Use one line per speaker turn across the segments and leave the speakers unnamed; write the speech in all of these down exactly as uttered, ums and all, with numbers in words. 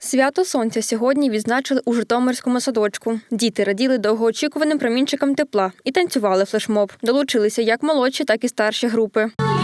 Свято Сонця сьогодні відзначили у Житомирському садочку. Діти раділи довгоочікуваним промінчикам тепла і танцювали флешмоб. Долучилися як молодші, так і старші групи.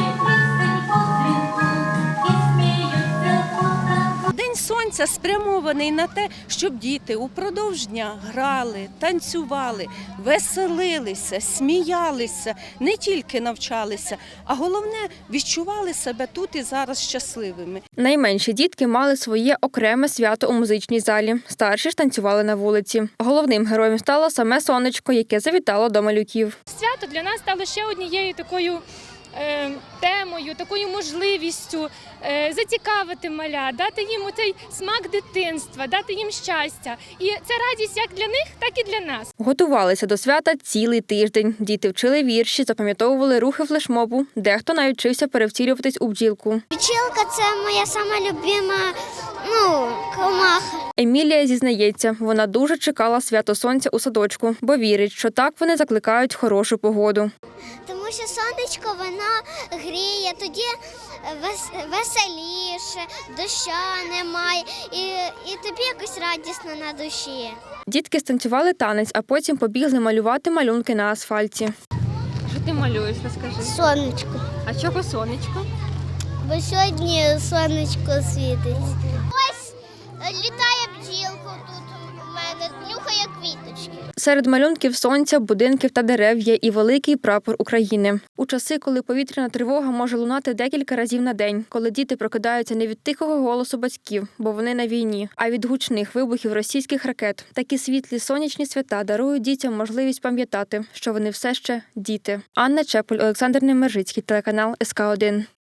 День сонця спрямований на те, щоб діти упродовж дня грали, танцювали, веселилися, сміялися, не тільки навчалися, а головне – відчували себе тут і зараз щасливими.
Найменші дітки мали своє окреме свято у музичній залі. Старші ж танцювали на вулиці. Головним героєм стало саме сонечко, яке завітало до малюків.
Свято для нас стало ще однією такою е, темою, такою можливістю е, зацікавити маля, дати їм оцей смак дитинства, дати їм щастя. І це радість як для них, так і для нас.
Готувалися до свята цілий тиждень. Діти вчили вірші, запам'ятовували рухи флешмобу. Дехто навіть вчився перевтілюватись у бджілку.
Бджілка – це моя сама любима, ну, комаха.
Емілія зізнається, вона дуже чекала свято сонця у садочку, бо вірить, що так вони закликають хорошу погоду.
Тому що сонечко, воно гріє, тоді вес- веселіше, доща немає, і, і тобі якось радісно на душі.
Дітки станцювали танець, а потім побігли малювати малюнки на асфальті.
Що ти малюєш, розкажи?
Сонечко.
А чого сонечко?
Бо сьогодні сонечко світить. Ось літає бджілка тут у мене, нюхає квіточки.
Серед малюнків сонця, будинків та дерев є і великий прапор України. У часи, коли повітряна тривога може лунати декілька разів на день, коли діти прокидаються не від тихого голосу батьків, бо вони на війні, а від гучних вибухів російських ракет, такі світлі сонячні свята дарують дітям можливість пам'ятати, що вони все ще діти. Анна Чепель, Олександр Немержицький, телеканал ес ка один.